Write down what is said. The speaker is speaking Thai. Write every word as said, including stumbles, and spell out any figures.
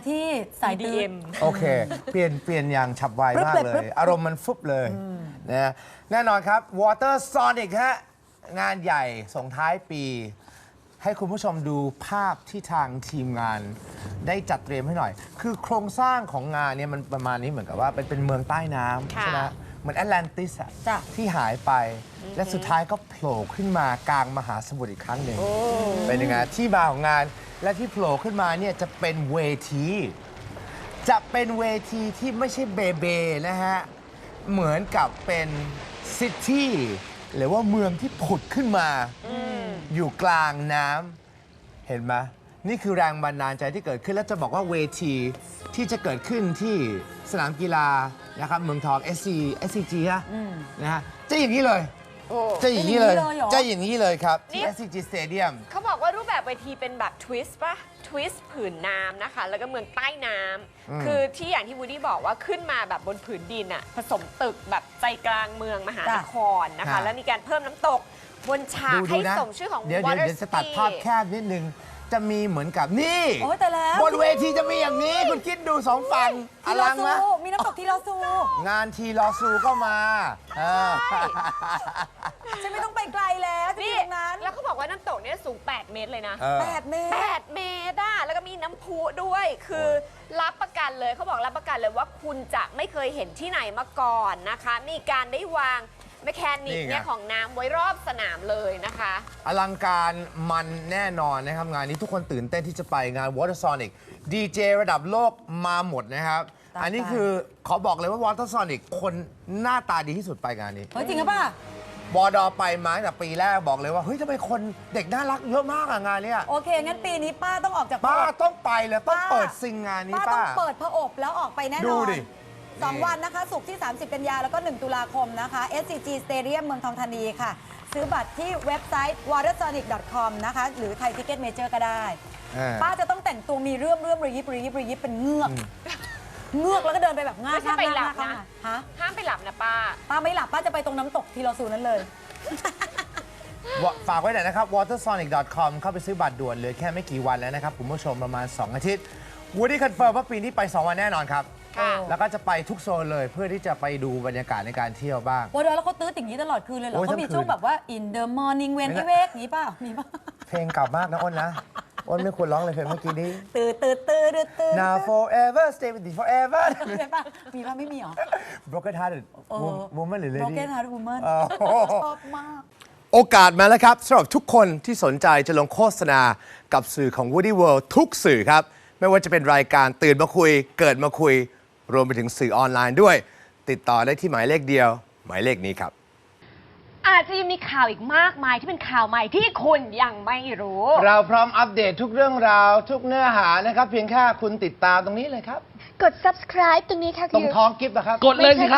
ที่สายดีตื้เอ็นมโอเค เปลี่ยนเปลี่ยนอย่างฉับไวมากเลย อารมณ์มันฟุบเลยนะแน่นอนครับ Water Sonic ฮะงานใหญ่ส่งท้ายปี ให้คุณผู้ชมดูภาพที่ทางทีมงานได้จัดเตรียมให้หน่อย คือโครงสร้างของงานเนี่ยมันประมาณนี้เหมือนกับว่าเป็นเป็นเมืองใต้น้ำค่ะใช่ไหมเหมือนแอตแลนติสอะจ้ะที่หายไป และสุดท้ายก็โผล่ขึ้นมากลางมหาสมุทรอีกครั้งหนึ่งเป็นยังไงที่มาของงานและที่โผล่ขึ้นมาเนี่ยจะเป็นเวที จะเป็นเวทีที่ไม่ใช่เบเบนะฮะ เหมือนกับเป็นซิตี้หรือว่าเมืองที่ผุดขึ้นมาอยู่กลางน้ำเห็นไหมนี่คือแรงบันดาลใจที่เกิดขึ้น แล้วจะบอกว่าเวทีที่จะเกิดขึ้นที่สนามกีฬานะครับเมืองทอง เอส ซี เอส ซี จี ฮะนะฮะจะอย่างนี้เลยโอ้จะอย่างนี้เลยจะอย่างนี้เลยเหรอจะอย่างนี้เลยครับ ที่นี่เอส ซี จี Stadium เขาบอกว่ารูปแบบเวทีเป็นแบบทวิสต์ป่ะทวิสต์ผืนน้ำนะคะ แล้วก็เมืองใต้น้ำคือที่อย่างที่วูดดี้บอกว่าขึ้นมาแบบบนผืนดินอะผสมตึกแบบใจกลางเมืองมหานครนะคะค่ะแล้วมีการเพิ่มน้ำตกบนฉากดูให้ดูนะสมชื่อของเดี๋ยว Water เดี๋ยวจะตัด City ภาพแคบนิดนึง จะมีเหมือนกับนี่โอ้ยแต่แล้วบนเวทีจะมีอย่างนี้ คุณคิดดูสองฝั่งอทีลอลังซูนะมีน้ำตกทีลอซูงานทีลอซูก็มาเออฉันไม่ต้องไปไกลแล้วที่นี่ตรงนั้นแล้วเขาบอกว่าน้ำตกเนี่ยสูง แปด เมตรเลยนะเออแปดเมตรแปด เมตรอะแล้วก็มีน้ำพุด้วย คือรับประกันเลยเขาบอกรับประกันเลยว่าคุณจะไม่เคยเห็นที่ไหนมาก่อนนะคะ มีการได้วางแมคแคนิกนี่ไงเนี่ยของน้ำไว้รอบสนามเลยนะคะอลังการมันแน่นอนนะครับ งานนี้ทุกคนตื่นเต้นที่จะไปงาน Water Sonic ดีเจระดับโลกมาหมดนะครับตามอันนี้คือขอบอกเลยว่า Water Sonic คนหน้าตาดีที่สุดไปงานนี้เฮ้ยจริงหรือเปล่าบอดอไปมาตั้งแต่ปีแรกบอกเลยว่า เฮ้ยทำไมคนเด็กน่ารักเยอะมากอะงานเนี้ยโอเค งั้นปีนี้ป้าต้องออกจากป้าพระอบต้องไปเลยต้องป้าเปิดซิงงานนี้ป้าต้ป้าองเปิดพระอบแล้วออกไปแน่นอนดูดิสองนี่วันนะคะศุกร์ที่ สามสิบ กันยาแล้วก็ หนึ่ง ตุลาคมนะคะ เอส ซี จี Stadium เมืองทองธานีค่ะ ซื้อบัตรที่เว็บไซต์ วอเตอร์ซอนิก ดอท คอม นะคะ หรือไทยทิเก็ตเมเจอร์ก็ได้อ่าป้าจะต้องแต่งตัวมีเรื่อมเรื่อมระยิบระยิบระยิบเป็นเงือก เงือกแล้วก็เดินไปแบบง่าไม่ใช่ไปหลับนะฮะห้ามไปหลับนะป้าป้าไม่หลับป้าจะไปตรงน้ำตกทีลอซูนั้นเลยฝากไว้หน่อยนะครับ วอเตอร์ซอนิก ดอท คอม เข้าไปซื้อบัตรด่วนเหลือแค่ไม่กี่วันแล้วนะครับคุณผู้ชมประมาณ สอง อาทิตย์วูดดี้คอนเฟิร์มว่าปีนี้ไป สอง วันแน่นอนครับค่ะแล้วก็จะไปทุกโซนเลยเพื่อที่จะไปดูบรรยากาศในการเที่ยวบ้างโอ้เดี๋ยวแล้วเขาตื้ออย่างนี้ตลอดคืนเลยเหรอโอ้ยเขามีทั้งคืนช่วงแบบว่า in the morning when ไม่ I ได้ wake อย่างนี้เปล่ามีป่ะเพลงเก่ามากนะอ้นนะ อ้นไม่ควรร้องเลยเพลงเมื่อกี้นี้ตื่นตื่นตื่นตื่นตื่น Now forever stay with you forever ใช่ป่ะมีป่ะไม่มีเหรอ Broken hearted เออ woman หรือ lady Broken Heart Woman อ๋อชอบมากโอกาสมาแล้วครับสำหรับทุกคนที่สนใจจะลงโฆษณากับสื่อของ Woody World ทุกสื่อครับ ไม่ว่าจะเป็นรายการตื่นมาคุย เกิดมาคุย รวมไปถึงสื่อออนไลน์ด้วย ติดต่อได้ที่หมายเลขเดียว หมายเลขนี้ครับอาจจะยังมีข่าวอีกมากมายที่เป็นข่าวใหม่ที่คุณยังไม่รู้เราพร้อมอัปเดตทุกเรื่องราว ทุกเนื้อหานะครับ เพียงแค่คุณติดตามตรงนี้เลยครับกด subscribe ตรงนี้ค่ะตรงท้องกิฟต์นะครับกดเลยสิครับ